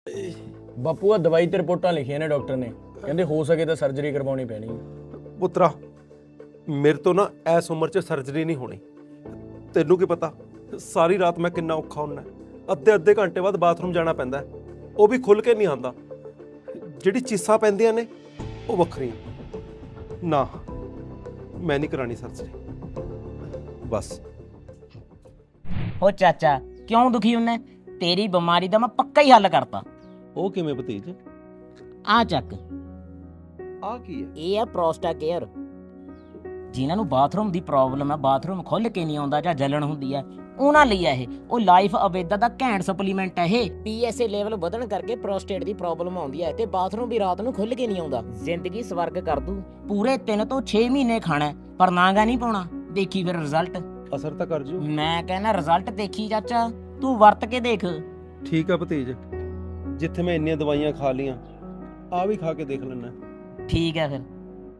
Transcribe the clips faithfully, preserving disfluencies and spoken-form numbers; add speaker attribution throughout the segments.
Speaker 1: ਬਾਪੂ ਆ ਦਵਾਈ ਤੇ ਰਿਪੋਰਟਾਂ ਲਿਖੀਆਂ ਨੇ ਡਾਕਟਰ ਨੇ, ਕਹਿੰਦੇ ਹੋ ਸਕੇ ਤਾਂ ਸਰਜਰੀ ਕਰਵਾਉਣੀ ਪੈਣੀ ਹੈ।
Speaker 2: ਪੁੱਤਰਾ ਮੇਰੇ ਤੋਂ ਨਾ ਇਸ ਉਮਰ 'ਚ ਸਰਜਰੀ ਨਹੀਂ ਹੋਣੀ। ਤੈਨੂੰ ਕੀ ਪਤਾ ਸਾਰੀ ਰਾਤ ਮੈਂ ਕਿੰਨਾ ਔਖਾ ਹੁੰਦਾ, ਅੱਧੇ ਅੱਧੇ ਘੰਟੇ ਬਾਅਦ ਬਾਥਰੂਮ ਜਾਣਾ ਪੈਂਦਾ, ਉਹ ਵੀ ਖੁੱਲ ਕੇ ਨਹੀਂ ਆਉਂਦਾ। ਜਿਹੜੀ ਚੀਸਾਂ ਪੈਂਦੀਆਂ ਨੇ ਉਹ ਵੱਖਰੀਆਂ। ਨਾ ਮੈਂ ਨਹੀਂ ਕਰਾਣੀ ਸਰਜਰੀ ਬਸ।
Speaker 3: ਹੋ ਚਾਚਾ ਕਿਉਂ ਦੁਖੀ ਹੁੰਨਾ? ਤੇਰੀ ਬਿਮਾਰੀ ਦਾ ਮੈਂ ਪੱਕਾ ਹੀ ਹੱਲ ਕਰਤਾ।
Speaker 2: ਉਹ ਕਿਵੇਂ ਭਤੀਜ?
Speaker 3: ਆ ਚੱਕ,
Speaker 2: ਆ ਕੀ ਹੈ?
Speaker 3: ਇਹ ਆ ਪ੍ਰੋਸਟਾ ਕੇਅਰ। ਜਿਨ੍ਹਾਂ ਨੂੰ ਬਾਥਰੂਮ ਦੀ ਪ੍ਰੋਬਲਮ ਹੈ, ਬਾਥਰੂਮ ਖੁੱਲ ਕੇ ਨਹੀਂ ਆਉਂਦਾ ਜਾਂ ਜਲਣ ਹੁੰਦੀ ਹੈ, ਉਹਨਾਂ ਲਈ ਹੈ ਇਹ। ਉਹ ਲਾਈਫ ਅਵੇਦਾ ਦਾ ਘੈਂਟ ਸਪਲੀਮੈਂਟ ਹੈ ਇਹ। ਪੀਐਸਏ ਲੈਵਲ ਵਧਣ ਕਰਕੇ ਪ੍ਰੋਸਟੇਟ ਦੀ ਪ੍ਰੋਬਲਮ ਆਉਂਦੀ ਹੈ ਤੇ ਬਾਥਰੂਮ ਵੀ ਰਾਤ ਨੂੰ ਖੁੱਲ ਕੇ ਨਹੀਂ ਆਉਂਦਾ। ਜ਼ਿੰਦਗੀ ਸਵਰਗ ਕਰ ਦੂ। ਪੂਰੇ ਤਿੰਨ ਤੋਂ ਛੇ ਮਹੀਨੇ ਖਾਣਾ ਪਰ ਨਾਗਾ ਨਹੀਂ ਪਾਉਣਾ। ਦੇਖੀ ਫਿਰ ਰਿਜ਼ਲਟ।
Speaker 2: ਅਸਰ ਤਾਂ ਕਰ ਜੂ।
Speaker 3: ਮੈਂ ਕਹਿੰਦਾ ਰਿਜ਼ਲਟ ਦੇਖੀ ਚਾਚਾ, ਤੂੰ ਵਰਤ ਕੇ ਦੇਖ।
Speaker 2: ਠੀਕ ਆ ਭਤੀਜ, ਜਿੱਥੇ ਮੈਂ ਇੰਨੀਆਂ ਦਵਾਈਆਂ ਖਾ ਲੀਆਂ ਆ ਵੀ ਖਾ ਕੇ ਦੇਖ ਲੈਣਾ।
Speaker 3: ਠੀਕ ਹੈ ਫਿਰ।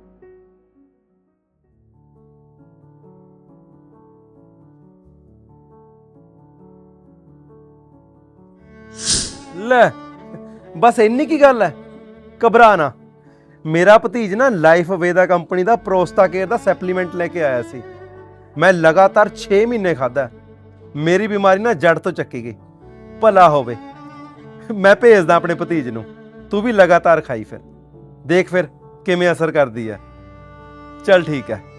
Speaker 2: ਲੈ ਬਸ ਇੰਨੀ ਕੀ ਗੱਲ ਹੈ, ਘਬਰਾ ਨਾ। ਮੇਰਾ ਭਤੀਜ ਨਾ ਲਾਈਫ ਵੇਦਾ ਕੰਪਨੀ ਦਾ ਪ੍ਰੋਸਟਾ ਕੇਅਰ ਦਾ ਸਪਲੀਮੈਂਟ ਲੈ ਕੇ ਆਇਆ ਸੀ। ਮੈਂ ਲਗਾਤਾਰ ਛੇ ਮਹੀਨੇ ਖਾਧਾ, ਮੇਰੀ ਬਿਮਾਰੀ ਨਾ ਜੜ ਤੋਂ ਚੱਕੀ ਗਈ। ਭਲਾ ਹੋਵੇ। ਮੈਂ ਭੇਜਦਾ ਆਪਣੇ ਭਤੀਜ ਨੂੰ, ਤੂੰ ਵੀ ਲਗਾਤਾਰ ਖਾਈ ਫਿਰ, ਦੇਖ ਫਿਰ ਕਿਵੇਂ ਅਸਰ ਕਰਦੀ ਹੈ। ਚੱਲ ਠੀਕ ਹੈ।